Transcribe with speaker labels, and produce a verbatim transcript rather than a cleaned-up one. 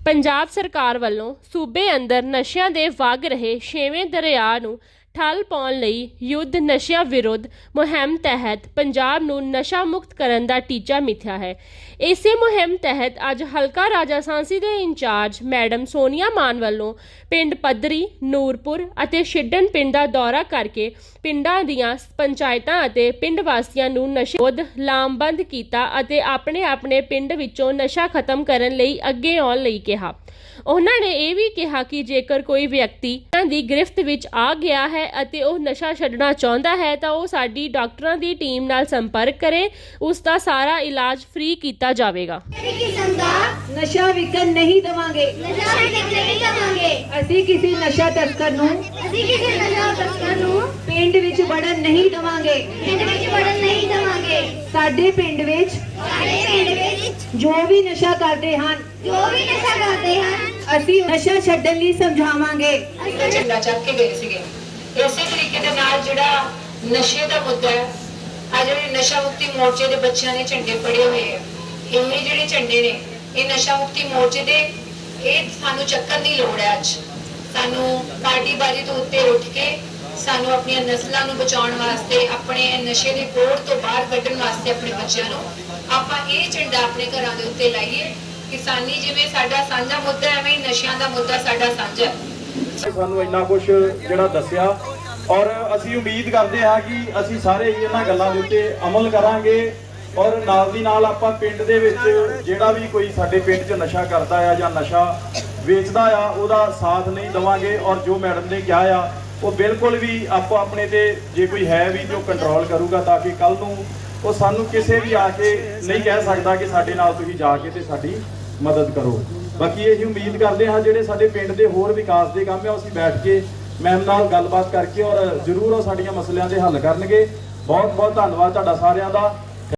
Speaker 1: पंजाब सरकार वालों सूबे अंदर नशियां दे वग रहे छेवें दरिया नूं ठल पाउण लई युद्ध नशिया विरुद्ध मुहिम तहत पंजाब नूं नशा मुक्त करन दा टीचा मिथ्या है। इसे मुहिम तहत अज हलका राजा सांसी दे इंचार्ज मैडम सोनिया मान वालों पिंड पद्धरी नूरपुर अते छिड्डन पिंड दा दौरा करके पिंडां दीआं पंचायतां अते पिंड वासियां नूं नशे विरुद्ध लामबंद कीता अते अपने अपने पिंड विचों नशा खत्म करन लई अगे आउण लई कहा। उन्होंने ने यह भी कहा कि जेकर कोई व्यक्ति की गिरफ्त विच आ गया है अते वह नशा छड्डना चाहता है तो वह साडी डॉक्टरों की टीम नाल संपर्क करे, उसका सारा इलाज फ्री किया जाएगा।
Speaker 2: नशा विकन नहीं देवांगे, असीं किसी नशा तस्कर नूं पिंड विच वड़न नहीं देवांगे। साडे पिंड विच जो भी नशा करते हैं
Speaker 3: जो भी नशा करते हैं
Speaker 2: ਅਸੀਂ ਨਸ਼ਾ ਛੱਡਣ ਲਈ ਸਮਝਾਵਾਂਗੇ।
Speaker 4: ਝੰਡਾ ਚੱਕ ਕੇ ਗਏ ਸੀਗੇ। ਇਸੇ ਤਰੀਕੇ ਦੇ ਨਾਲ ਜਿਹੜਾ ਨਸ਼ੇ ਦਾ ਮੁੱਦਾ ਹੈ, ਆ ਜਿਹੜੇ ਨਸ਼ਾ ਮੁਕਤੀ ਮੋਰਚੇ ਦੇ ਬੱਚਿਆਂ ਨੇ ਝੰਡੇ ਫੜੇ ਹੋਏ ਆ, ਇਹ ਜਿਹੜੇ ਝੰਡੇ ਨੇ ਇਹ ਨਸ਼ਾ ਮੁਕਤੀ ਮੋਰਚੇ ਦੇ ਇਹ ਸਾਨੂੰ ਚੱਕਣ ਦੀ ਲੋੜ ਹੈ। ਅੱਜ ਸਾਨੂੰ ਪਾਰਟੀਬਾਜ਼ੀ ਤੋਂ ਉੱਤੇ ਉੱਠ ਕੇ ਸਾਨੂੰ ਆਪਣੀਆਂ ਨਸਲਾਂ ਨੂੰ ਬਚਾਉਣ ਵਾਸਤੇ, ਆਪਣੇ ਨਸ਼ੇ ਦੇ ਕੋੜ ਤੋਂ ਬਾਹਰ ਕੱਢਣ ਵਾਸਤੇ ਆਪਣੇ ਬੱਚਿਆਂ ਨੂੰ ਆਪਾਂ ਇਹ ਝੰਡਾ ਆਪਣੇ ਘਰਾਂ ਦੇ ਉੱਤੇ ਲਾਈਏ। किसानी जिवें साडा सांझा मुद्दा है, एवें नशियां दा मुद्दा साडा सांझा है।
Speaker 5: सानू इन्ना कुछ जिहड़ा दस्सिया और असीं उम्मीद करते हैं कि असीं सारे ही इन्हां गल्लां दे उत्ते अमल करांगे और नाल दी नाल आपां पिंड दे विच जिहड़ा भी कोई साडे पिंड च नशा करदा है या नशा वेचदा आ ਉਹਦਾ साथ नहीं देवांगे। और जो मैडम ने कहा आ वो बिल्कुल भी आपो अपने ते जे कोई है भी जो कंट्रोल करूगा ताकि कल नूं ਉਹ ਸਾਨੂੰ ਕਿਸੇ ਵੀ ਆ ਕੇ नहीं कह सकता कि ਸਾਡੇ ਨਾਲ ਤੁਸੀਂ ਜਾ ਕੇ ਤੇ ਸਾਡੀ मदद करो। बाकी यही उम्मीद करते हैं ਜਿਹੜੇ ਸਾਡੇ ਪਿੰਡ ਦੇ ਹੋਰ ਵਿਕਾਸ ਦੇ ਕੰਮ ਆ ਅਸੀਂ बैठ के मैम ਨਾਲ ਗੱਲਬਾਤ करके और जरूर ਉਹ ਸਾਡੀਆਂ ਮਸਲਿਆਂ ਦੇ ਹੱਲ ਕਰਨਗੇ। बहुत बहुत धन्यवाद ਤੁਹਾਡਾ ਸਾਰਿਆਂ ਦਾ।